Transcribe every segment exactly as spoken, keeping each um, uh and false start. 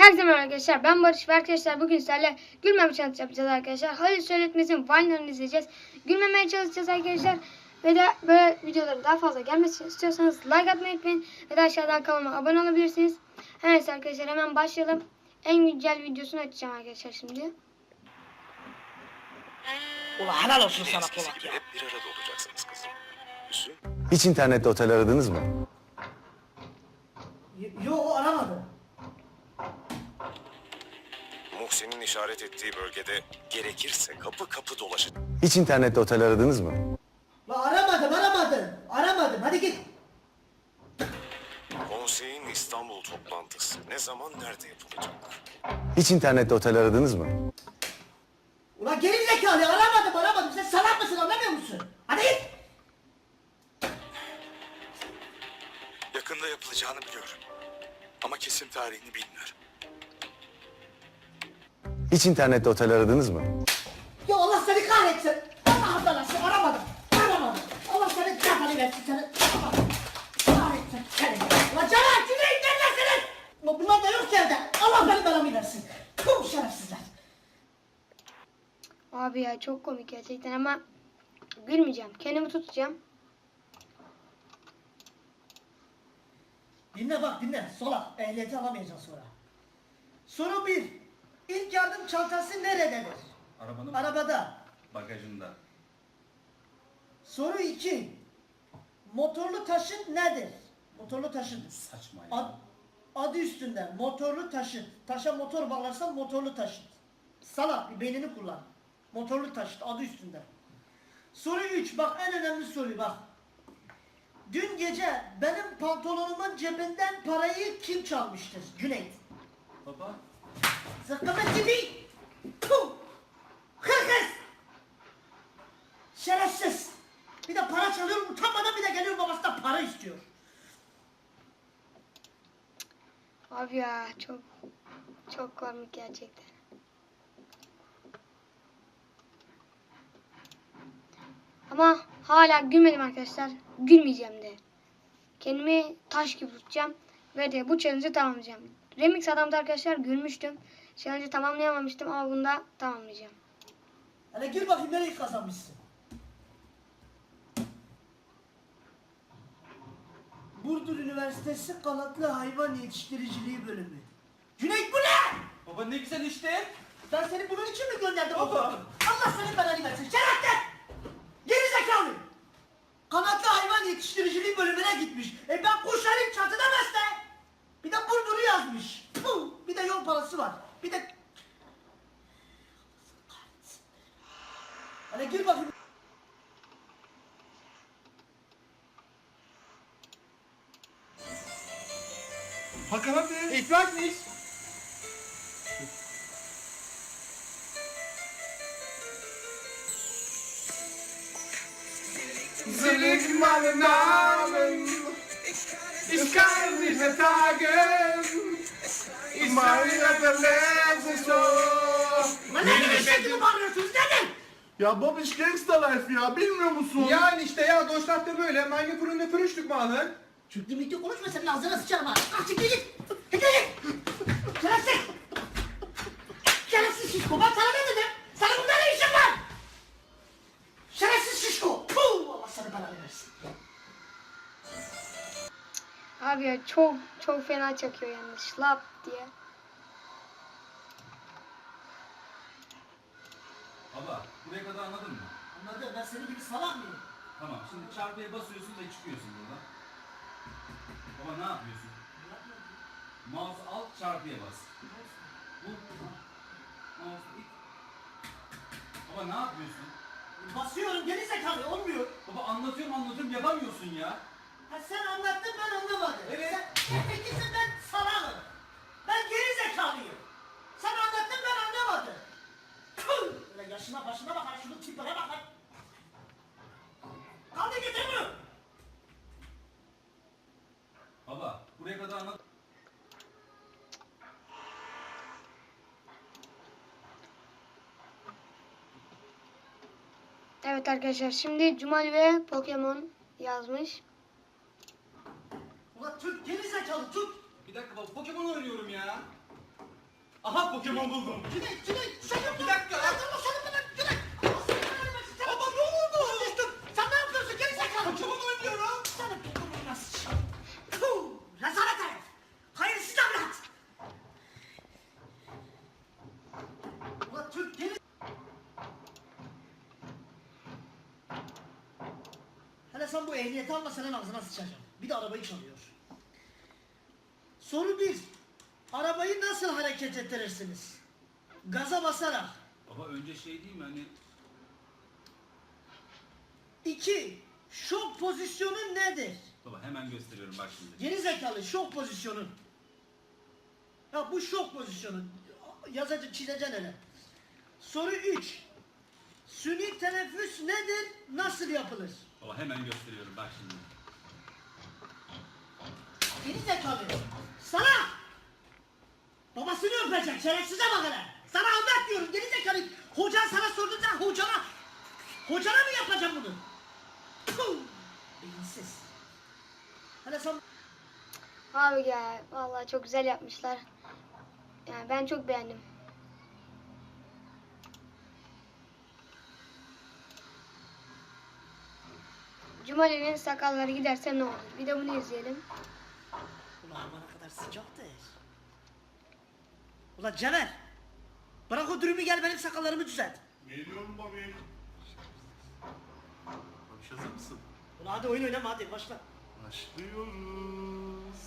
Herkese merhaba arkadaşlar, ben Barış ve arkadaşlar bugün sizlerle gülmeme challenge yapacağız arkadaşlar. Halil Söyletmez'in Vine'larını izleyeceğiz. Gülmemeye çalışacağız arkadaşlar. Ve de böyle videoların daha fazla gelmesini istiyorsanız like atmayı unutmayın. Ve de aşağıdan kanalıma abone olabilirsiniz. Evet arkadaşlar, hemen başlayalım. En güncel videosunu açacağım arkadaşlar şimdi. Ulan helal olsun sana Polat ya. Hep bir arada olacaksınız kızım. Hüsnü, Hiç internette otel aradınız mı? Y- Yo aramadı. Muhsin'in işaret ettiği bölgede gerekirse kapı kapı dolaşın. Hiç internette otel aradınız mı? La aramadım aramadım. Aramadım hadi git. Konseyin İstanbul toplantısı ne zaman nerede yapılacak? Hiç internette otel aradınız mı? Ulan geri zekalı aramadım aramadım. Sen salak mısın anlamıyor musun? Hadi git. Yakında yapılacağını biliyorum. Ama kesin tarihini bilmiyorum. Hiç internette otel aradınız mı? Ya Allah seni kahretsin. Allah belası aramadım. Aramadım. Allah seni kafanı versin seni. Allah kahretsin seni. Ulan Caner Cüneyt neredesiniz? Ulan bunlar da yok ki evde. Allah benim belamı versin. Tüm şerefsizler. Abi ya çok komik gerçekten ama gülmeyeceğim. Kendimi tutacağım. Dinle bak dinle. Sola. Ehliyeti alamayacaksın sonra. Soru bir. İlk yardım çantası nerededir? Arabanın Arabada. bagajında. Soru iki. Motorlu taşıt nedir? Motorlu taşıt. Saçma ya. Ad, adı üstünde. Motorlu taşıt. Taşa motor bağlarsan motorlu taşıt. Salak bir beynini kullan. Motorlu taşıt adı üstünde. Soru üç. Bak en önemli soru bak. Dün gece benim pantolonumun cebinden parayı kim çalmıştır? Cüneyt. Baba. Zıkkımın gibi. Puh. Hırkız. Şerefsiz. Bir de para çalıyorum utanmadan bir de geliyor babasından para istiyor. Abi ya çok çok komik gerçekten. Ama hala gülmedim arkadaşlar. Gülmeyeceğim de. Kendimi taş gibi tutacağım. Ve de bu challenge'ı tamamlayacağım. Remix adamda arkadaşlar gülmüştüm. Challenge'ı tamamlayamamıştım ama bunda tamamlayacağım. Hele gül bakayım nereyi kazanmışsın. Burdur Üniversitesi Kanatlı Hayvan Yetiştiriciliği Bölümü. Cüneyt bu ne? Baba ne güzel işte. Ben seni bunun için mi gönderdim? Baba. oğlum? Allah senin belanı versin. Şerefsiz! Geri zekalı! Kanatlı hayvan yetiştiriciliği bölümüne gitmiş. E ben kuş alayım çatıda besle. Bir de Burdur'u yazmış. Puh! Bir de yol parası var. Bir de... Hele gir bakayım. Hakan abi. Ich weiß nicht. Sie liegt meinen Namen. Ich kann nicht mehr tagen. Ich meine, der Lese so. Lan ne gibi şey gibi bağırıyorsunuz? Nedir? Ya Babiş Gangsta Life ya, bilmiyor musun? Yani işte ya Deutschland'da böyle. Meine Freunde frühstück machen. Çünkü müddet konuşma senin ağzına sıçarım ha. Kalk çık git. Git git. Şerefsiz. Şerefsiz şişko. Ben sana ne dedim? Sana bunda ne işin var? Şerefsiz şişko. Puh! Allah sana belanı versin. Abi ya çok çok fena çakıyor yalnız. Şlap diye. Baba buraya kadar anladın mı? Anladım ben senin gibi salak mıyım? Tamam şimdi çarpıya basıyorsun da çıkıyorsun buradan. Baba ne yapıyorsun? Mouse al çarpıya bas. Bu. Mouse it. Baba ne yapıyorsun? Basıyorum geri zekalı olmuyor. Baba anlatıyorum anlatıyorum yapamıyorsun ya. Ha sen anlattın ben anlamadım. Evet. Sen efektifsin ben salağım. Ben geri zekalıyım. Sen anlattın ben anlamadım. Tüh! Böyle yaşına başına bak ha şunun tipine bak ha. Kaldı getirmiyor. Baba buraya kadar anladın. Evet arkadaşlar, şimdi Cumali ve Pokemon yazmış. Ulan Türk geri zekalı Türk. Bir dakika baba Pokemon oynuyorum ya. Aha Pokemon buldum. Cüneyt, Cüneyt, sakın Bir dakika lan. Allah sana bırak, Cüneyt. Allah sana vermesin. Sen- Baba ne oldu? Konuştun. Sen ne yapıyorsun? Geri zekalı. Pokemon oynuyorum. Sana Pokemon nasıl çıkar? Puh, rezalet herif. Hayırsız evlat. Ulan Türk geri... Hele sen bu ehliyeti alma, senin ağzına sıçacağım. Bir de arabayı çalıyor. Soru bir. Arabayı nasıl hareket ettirirsiniz? Gaza basarak. Baba önce şey değil mi hani İki. Şok pozisyonu nedir? baba hemen gösteriyorum bak şimdi. Geri zekalı şok pozisyonu. Ya bu şok pozisyonu. Yazacak, çizeceksin hele. Soru üç. Suni teneffüs nedir? Nasıl yapılır? Baba hemen gösteriyorum bak şimdi. Geri zekalı. Sana! Babasını öpecek. Şerefsize bak hele. Sana anlat diyorum. Geri zekalı. Hocan sana sordu, sen hocana. Hocana mı yapacağım bunu? Puh! Beyinsiz. Hele sen... Abi ya vallahi çok güzel yapmışlar. Yani ben çok beğendim. Cumali'nin sakalları giderse ne olur? Bir de bunu izleyelim. Ulan bana kadar sıcaktır. Ulan Cener. Bırak o dürümü, gel benim sakallarımı düzelt. Geliyorum babi. Babiş hazır mısın? Ulan hadi oyun oynama, hadi başla. Başlıyoruz.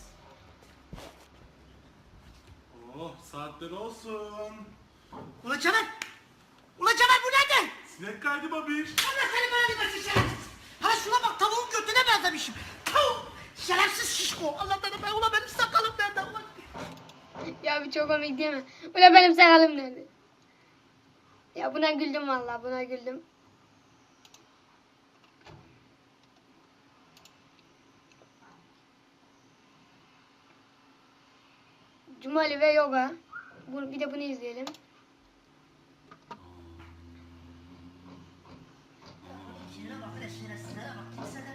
Oh saatler olsun. Ulan Cener. Ulan Cener bu nerede? Sinek kaydı babiş. Allah seni bana versin şerefsiz. Ha şuna bak, tavuğun götüne benzemişim. Tavuk. Şerefsiz şişko. Allah beni be. Ulan benim sakalım nerede? Ulan. Ya bir çok komik değil mi? Ulan benim sakalım nerede? Ya buna güldüm vallahi, buna güldüm. Cumali ve yoga. Bu, bir de bunu izleyelim. Şuna bak hele, şerefsizlere bak. Kimsede.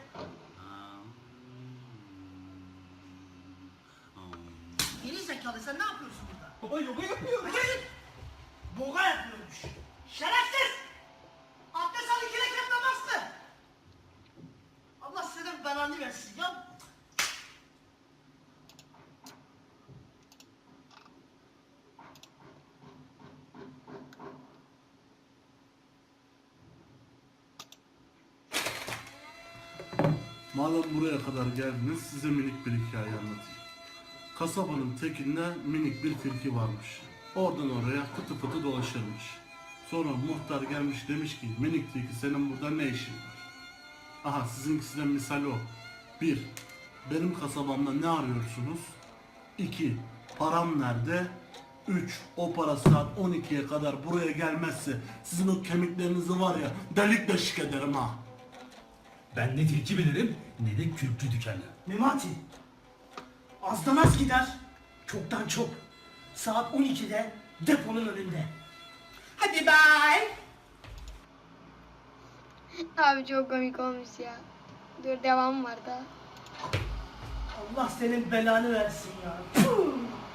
Geri zekalı, sen ne yapıyorsun burada? Baba yoga yapıyorum. Hadi git. Boga yapıyormuş. Şerefsiz. Abdest al, iki rekat namaz kıl. Allah senin belanı versin ya. Madem buraya kadar geldiniz size minik bir hikaye anlatayım. Kasabanın tekinde minik bir tilki varmış. Oradan oraya fıtı fıtı dolaşırmış. Sonra muhtar gelmiş demiş ki minik tilki senin burada ne işin var? Aha sizinkisinden misal o. Bir, benim kasabamda ne arıyorsunuz? İki, param nerede? Üç, o para saat on ikiye kadar buraya gelmezse sizin o kemiklerinizi var ya delik deşik ederim ha. Ben ne tilki bilirim ne de kürkçü dükkanı. Memati. Azdan az gider. Çoktan çok. Saat on ikide deponun önünde. Hadi bye. Abi çok komik olmuş ya. Dur devam var da. Allah senin belanı versin ya. Puh!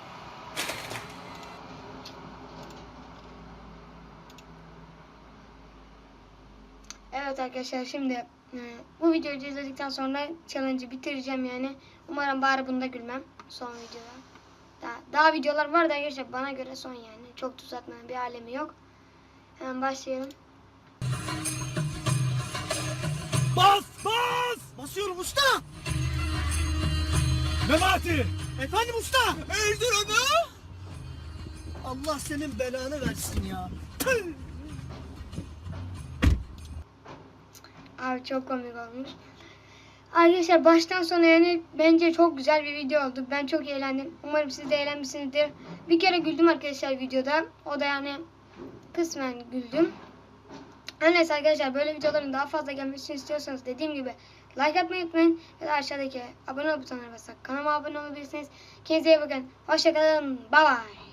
Evet arkadaşlar şimdi e, bu videoyu izledikten sonra challenge'ı bitireceğim yani. Umarım bari bunda gülmem son videoda. Daha, daha videolar var da arkadaşlar bana göre son yani. Çok uzatmanın bir alemi yok. Hemen başlayalım. Bas bas. Basıyorum usta. Memati! Efendim usta. Öldür onu. Allah senin belanı versin ya. Tüh! Abi çok komik olmuş. Arkadaşlar baştan sona yani bence çok güzel bir video oldu. Ben çok eğlendim. Umarım siz de eğlenmişsinizdir. Bir kere güldüm arkadaşlar videoda. O da yani kısmen güldüm. Her neyse arkadaşlar böyle videoların daha fazla gelmesini istiyorsanız dediğim gibi like atmayı unutmayın. Ve de aşağıdaki abone ol butonuna basarak kanalıma abone olabilirsiniz. Kendinize iyi bakın. Hoşçakalın. Bye bye.